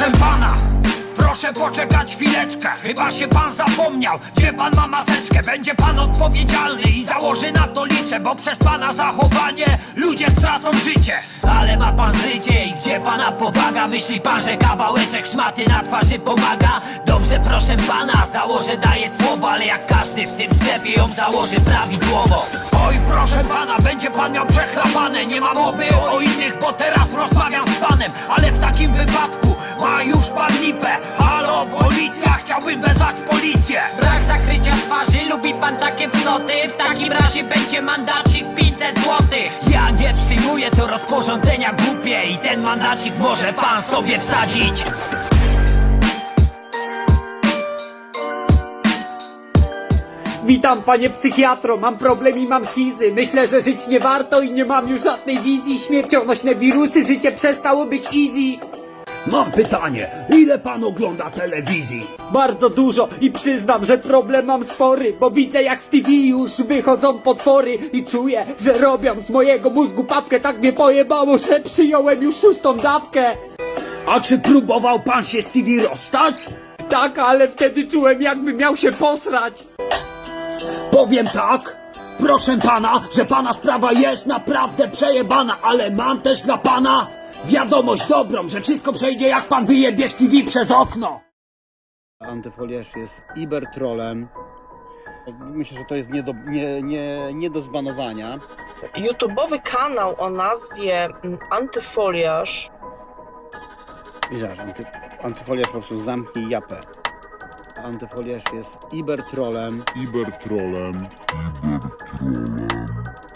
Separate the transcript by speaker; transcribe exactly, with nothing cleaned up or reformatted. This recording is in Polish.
Speaker 1: proszę pana, proszę poczekać chwileczkę. Chyba się pan zapomniał, gdzie pan ma maseczkę. Będzie pan odpowiedzialny i założy na to liczę, bo przez pana zachowanie ludzie stracą życie. Ale ma pan życie i gdzie pana powaga? Myśli pan, że kawałeczek szmaty na twarzy pomaga? Dobrze, proszę pana, założę, daję słowo, ale jak każdy w tym sklepie ją założy prawidłowo. Oj, proszę pana, będzie pan miał przechlapane. Nie ma mowy o innych, bo teraz rozmawiam z panem. Ale w takim wypadku ma już pan lipę. Halo, policja, chciałbym wezwać policję.
Speaker 2: Brak zakrycia twarzy, lubi pan takie psoty? W takim razie będzie mandacik pięćset złotych.
Speaker 1: Ja nie przyjmuję to rozporządzenia głupie i ten mandacik może pan sobie wsadzić.
Speaker 3: Witam panie psychiatro, mam problem i mam schizy. Myślę, że żyć nie warto i nie mam już żadnej wizji. Śmiercionośne wirusy, życie przestało być easy.
Speaker 4: Mam pytanie, ile pan ogląda telewizji?
Speaker 3: Bardzo dużo i przyznam, że problem mam spory, bo widzę jak z T V już wychodzą potwory i czuję, że robią z mojego mózgu papkę. Tak mnie pojebało, że przyjąłem już szóstą dawkę.
Speaker 4: A czy próbował pan się z T V rozstać?
Speaker 3: Tak, ale wtedy czułem, jakby miał się posrać.
Speaker 4: Powiem tak, proszę pana, że pana sprawa jest naprawdę przejebana, ale mam też dla pana wiadomość dobrą, że wszystko przejdzie, jak pan wyjebie T V przez okno.
Speaker 5: Antyfoliarz jest ibertrolem. Myślę, że to jest nie do, nie, nie, nie do zbanowania.
Speaker 6: YouTube'owy kanał o nazwie mm, Antyfoliarz.
Speaker 5: Widzisz, anty, antyfoliarz po prostu zamknij japę. Antyfoliarz jest ibertrolem.
Speaker 7: Ibertrolem. Ibertrolem.